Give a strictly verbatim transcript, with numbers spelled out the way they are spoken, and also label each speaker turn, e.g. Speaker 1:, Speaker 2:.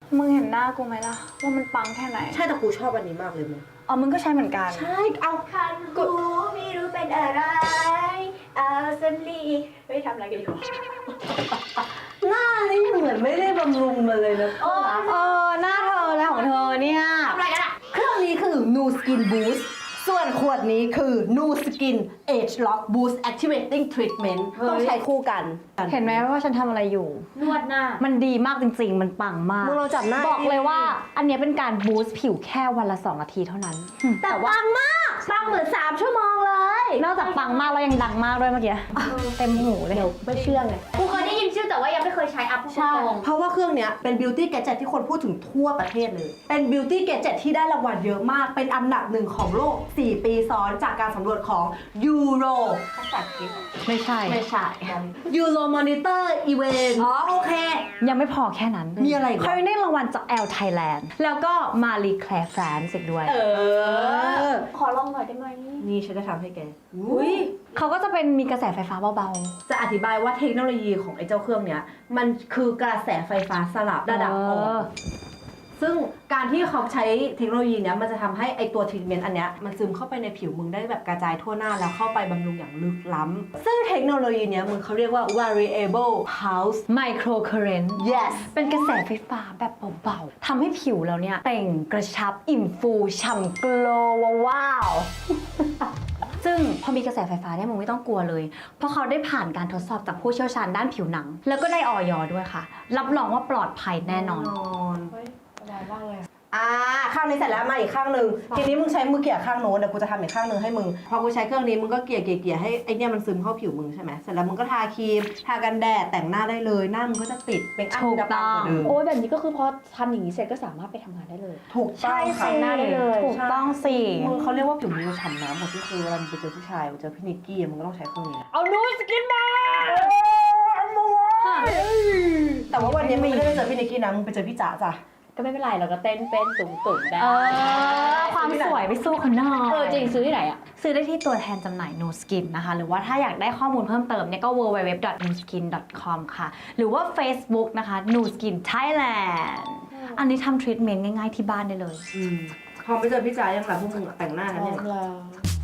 Speaker 1: มึงเห็นหน้ากูไหมล่ะว่ามันปังแค่ไหน
Speaker 2: ใช่แต่กูชอบอันนี้มากเลยมึง
Speaker 1: อ๋อมึงก็ใช้เหมือนกัน
Speaker 2: ใช่เอา
Speaker 3: คันกูไม่รู้เป็นอะไรเอาสันลีไม่ทำอะไรกันอยู่
Speaker 2: หน้านี่เหมือนไม่ได้บำรุงมาเลยนะ
Speaker 1: เออหน้าเธอแล้วของเธอเนี่ย
Speaker 3: ทำอะไรกันอะ
Speaker 2: เครื่องนี้คือ Nu Skin Boost ส่วนขวดนี้คือ Nu Skin Age Lock Boost Activating Treatment ต้องใช้คู่กัน
Speaker 1: เห็นไหมว่าฉันทำอะไรอยู่
Speaker 3: นวดหน้า
Speaker 1: มันดีมากจริงๆมันปังมาก
Speaker 2: มึงลองจับหน้า
Speaker 1: บอกเลยว่าอันเนี้ยเป็นการบูสต์ผิวแค่วันละสองนาทีเท่านั้น
Speaker 2: แต่ปังมากปังเหมือนสามชั่วโมงเลย
Speaker 1: นอกจากปังมากแล้วยังดังมากด้วยเมื่อกี้เต็มหูเลย
Speaker 2: เดี๋ยวไม่เชื่อไง
Speaker 3: กูเคยได้ยินชื่อแต่ว่ายังไม่เคยใช้อัพพูดตรง
Speaker 2: เพราะว่าเครื่องเนี้ยเป็น Beauty Gadget ที่คนพูดถึงทั่วประเทศเลยเป็น Beauty Gadget ที่ได้รางวัลเยอะมากเป็นอันดับหนึ่งของโลกสี่ปีซ้อนจากการสำรวจของ Euro
Speaker 3: ภาษาอังกฤษ
Speaker 1: ไม่ใช่
Speaker 2: ไม่ใช่ Euro Monitor Event
Speaker 3: อ๋อโอเค
Speaker 1: ยังไม่พอแค่นั้น
Speaker 2: มีอะไรอีก
Speaker 1: เขายังได้รางวัลจาก Elle Thailand แล้วก็ Marie Claire France อีกด้วย
Speaker 2: เออ
Speaker 3: ขอลองหน่อยได้ไหม
Speaker 2: นี่ฉันจะทำให้แก
Speaker 3: อุ้ย
Speaker 1: เขาก็จะเป็นมีกระแสไฟฟ้าเบา
Speaker 2: จะอธิบายว่าเทคโนโลยีของไอ้เจ้าเครื่องเนี้ยมันคือกระแสไฟฟ้าสลับ
Speaker 1: ๆ
Speaker 2: ระดับอ่อ
Speaker 1: เออ
Speaker 2: นซึ่งการที่เขาใช้เทคโนโลยีเนี้ยมันจะทำให้ไอตัวทรีทเมนต์อันเนี้ยมันซึมเข้าไปในผิวมึงได้แบบกระจายทั่วหน้าแล้วเข้าไปบำรุงอย่างลึกล้ำซึ่งเทคโนโลยีเนี้ยมึงเขาเรียกว่า variable pulse
Speaker 1: Micro Current
Speaker 2: yes
Speaker 1: เป็นกระแสไฟฟ้าแบบเบาๆ ทำให้ผิวเราเนี่ยเต่งกระชับอิ่มฟูฉ่ำโกลว์ว้าว ซึ่งพอมีกระแสไฟฟ้าเนี่ยมึงไม่ต้องกลัวเลย เพราะเขาได้ผ่านการทดสอบจากผู้เชี่ยวชาญด้านผิวหนัง แล้วก็ได้ออยด้วยค่ะ รับรองว่าปลอดภัยแน่นอน
Speaker 3: เฮ้ยสบายมากเลย
Speaker 2: อ่าข้างนี้เสร็จแล้วมาอีกข้างหนึ่งทีนี้มึงใช้มือเกี่ยข้างโน้นเดี๋ยวกูจะทำอีกข้างหนึ่งให้มึงพอกูใช้เครื่องนี้มึงก็เกี่ยเกี่ยเกี่ยให้ไอเนี่ยมันซึมเข้าผิวมึงใช่ไหมเสร็จแล้วมึงก็ทาครีมทากันแดดแต่งหน้าได้เลยหน้ามึงก็จะติดเป็นอัพ
Speaker 1: ถูก
Speaker 2: จะปังกว่าเดิม
Speaker 3: โอ้ยแบบนี้ก็คือพอทำอย่างนี้เสร็จก็สามารถไปทำงานได้เลย
Speaker 2: ถูกต้องค่ะ
Speaker 3: หน้าได้เลย
Speaker 1: ถูกต้องสิ
Speaker 2: มึงเขาเรียกว่าผิวมึงจะฉ่ำน้ำหมดที่คือเวลามึงไปเจอผู้ชายไปเจอพี่นิกกี้มึงก็ต้องใช้เครื่องนี้นะ
Speaker 3: เอานูสกินมา
Speaker 2: แต่ว่าวันนี้มึงไม่ได้ไปเจอพี่นิกกี้นะมึงไปเจอพี่จ๋าจ้ะ
Speaker 3: ก็ไม่เป็นไรเราก็เต้นเป็นตุ่มตุ่มได้
Speaker 1: เออ ความสวยไปสู้คนนอก
Speaker 3: เออจริงซื้อที่ไหนอะ
Speaker 1: ซื้อได้ที่ตัวแทนจำหน่าย Nu Skin นะคะ หรือว่าถ้าอยากได้ข้อมูลเพิ่มเติมเนี่ยก็ ดับเบิลยู ดับเบิลยู ดับเบิลยู ดอท นูสกิน ดอท คอม ค่ะ หรือว่า Facebook นะคะ Nu Skin Thailand อันนี้ทำทรีทเมนต์ง่ายๆที่บ้านได้เลย
Speaker 2: พอไปเจอพี่จ๋ายังหลับพวกมึงแต่งหน้ากัน
Speaker 3: ลอ
Speaker 2: เนี่ย
Speaker 3: งแล้ว